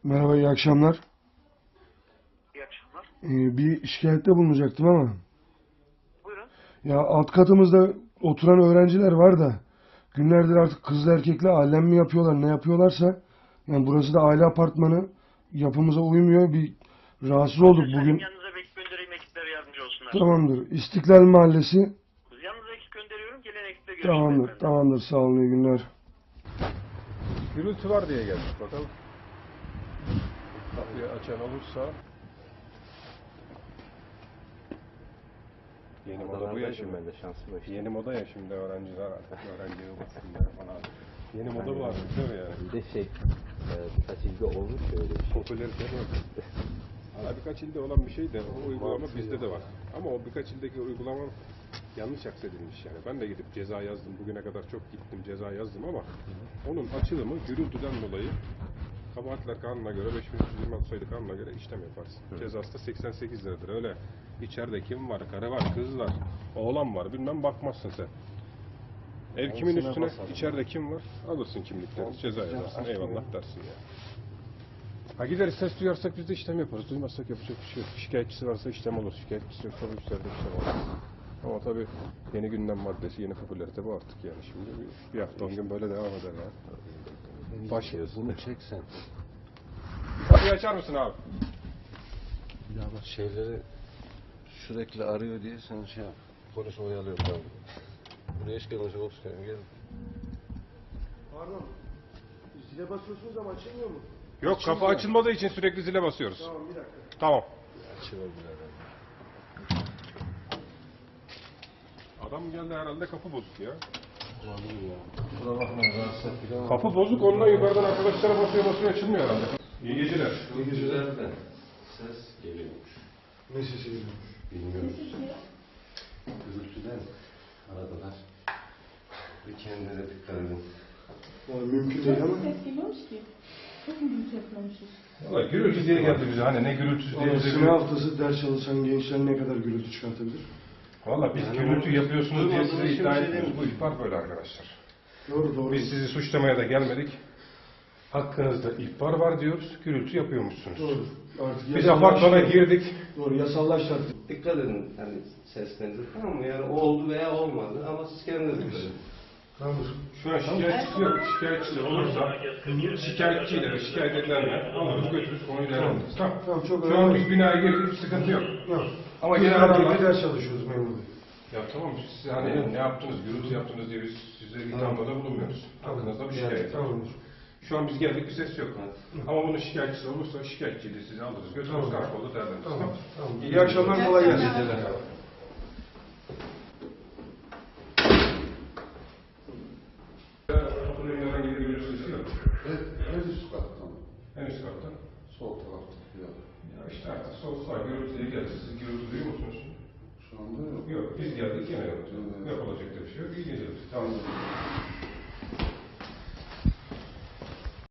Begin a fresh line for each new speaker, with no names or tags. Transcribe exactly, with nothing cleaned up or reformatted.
Merhaba, iyi akşamlar.
İyi akşamlar.
Ee, bir şikayette bulunacaktım ama.
Buyurun.
Ya alt katımızda oturan öğrenciler var da günlerdir artık kızlı erkekli alem mi yapıyorlar, ne yapıyorlarsa. Yani burası da aile apartmanı, yapımıza uymuyor. Bir rahatsız olduk
Sayın
bugün.
yanınıza bekip göndereyim, ekipler yardımcı olsunlar.
Tamamdır. İstiklal Mahallesi.
Yanınıza ekip gönderiyorum, gelen ekiple görüşürüz
Tamamdır,
efendim.
tamamdır. Sağ olun, iyi günler.
Gürültü var diye geldik bakalım. Kapıyı açan olursa. Yeni moda bu ya şimdi.
Ben de şanslı işte.
Yeni moda ya şimdi öğrenciler artık öğrenci yuvasında falan. Yeni moda bu artık değil mi yani?
Bir de şey, e, birkaç ilde olmuş ya öyle bir şey.
Popülerite bu. Hala birkaç ilde olan bir şey de o uygulama bizde de var. Ama o birkaç ildeki uygulama yanlış aksedilmiş yani. Ben de gidip ceza yazdım. Bugüne kadar çok gittim ceza yazdım ama onun açılımı gürültüden dolayı kabahatler kanuna göre beş bin üç yüz yirmi altı sayılı kanuna göre işlem yaparsın. Cezası da seksen sekiz liradır. Öyle içeride kim var, karı var, kız var, oğlan var bilmem bakmazsın sen. Ev kimin
Olsuna
üstüne,
basalım.
içeride kim var, alırsın kimliklerini, ceza yazarsın, eyvallah dersin ya. Ha gideriz ses duyarsak biz de işlem yaparız. Duymazsak yapacak bir şey yok. Şikayetçisi varsa işlem olur. Şikayetçisi yoksa bu işlerde işlem olur. Ama tabii yeni gündem maddesi, yeni popülarite bu artık yani. Şimdi bir, bir hafta on gün böyle devam eder ya. Baş
Bunu çeksen.
Kapıyı açar mısın abi?
Ya bak şeyleri sürekli arıyor diye sen şey yap. Polis oyalıyor tamam. Buraya hiç gelmeyecek olsun gel.
Pardon. Zile basıyorsunuz ama açılmıyor mu?
Yok kapı açılmadığı için sürekli zile basıyoruz.
Tamam, bir dakika.
Tamam.
Açılabilir herhalde.
Adam geldi herhalde kapı bozuk ya.
Olabilir ya. Kusura bakmayın rahatsız ettik ama.
Kapı bozuk ondan yukarıdan arkadaşlara basıyor basıyor açılmıyor herhalde. İyi geceler.
Bu güzelden ses geliyormuş.
Ne sesi geliyormuş?
Bilmiyoruz. Gürültüden aradılar. Bir kendine dikkat edin.
Yani mümkün değil ama.
Ses geliyormuş ki. Çok mu gürültü yapmamışız?
Valla gürültü diye geldi bize hani ne gürültüsü diye
Ama
bize
sınav haftası ders çalışan gençler ne kadar gürültü çıkartabilir?
Valla biz
Yani
gürültü
bu-
yapıyorsunuz diye size
duymadığımız
iddia
şey
etmiyoruz.
değil
Bu
mi?
ihbar böyle arkadaşlar.
Doğru doğru.
Biz sizi suçlamaya da gelmedik. Hakkınızda ihbar var diyoruz. Gürültü yapıyormuşsunuz.
Doğru. Artık
Biz
yasallaştı.
apartmana girdik.
Doğru, yasallaştı artık.
Dikkat edin hani seslerinize tamam mı? Yani oldu veya olmadı ama siz kendiniz dikkat edin.
Tamamdır.
Şu an şikayetçisi yok. Şikayetçisi olursa şikayetçiyle ve şikayet edilenle alırız götürürüz konuyu değerlendiririz. Tamam.
Tamam, çok
Şu an
önemli.
biz binaya girdik sıkıntı yok.
Yok.
Ama
Biz
yine
arabayla
aralar...
ders çalışıyoruz memur bey.
Ya tamam siz hani ne yaptınız, gürültü yaptınız diye biz size ithamda bulunmuyoruz. Hakkınızda bir şikayet var.
Tamamdır.
Şu an biz geldik bir ses yok. Ama bunun şikayetçisi olursa şikayetçiyle sizi alırız götürürüz
Tamam.
karakolda değerlendiririz.
Tamam.
Tamam.
Tamam.
İyi akşamlar kolay gelsin.
Geceler.
Oturayım herhangi bir gürültü sesi yok.
En üst kattan,
En üst katta.
sol tarafta yani.
Ya işte artık sol sağ gürültüye geldi. Siz gürültü duyuyor musunuz?
Şu anda yok.
Yok biz geldik yine yoktu.
Evet.
Yapılacak da bir şey yok. İyi geceler. Tamam.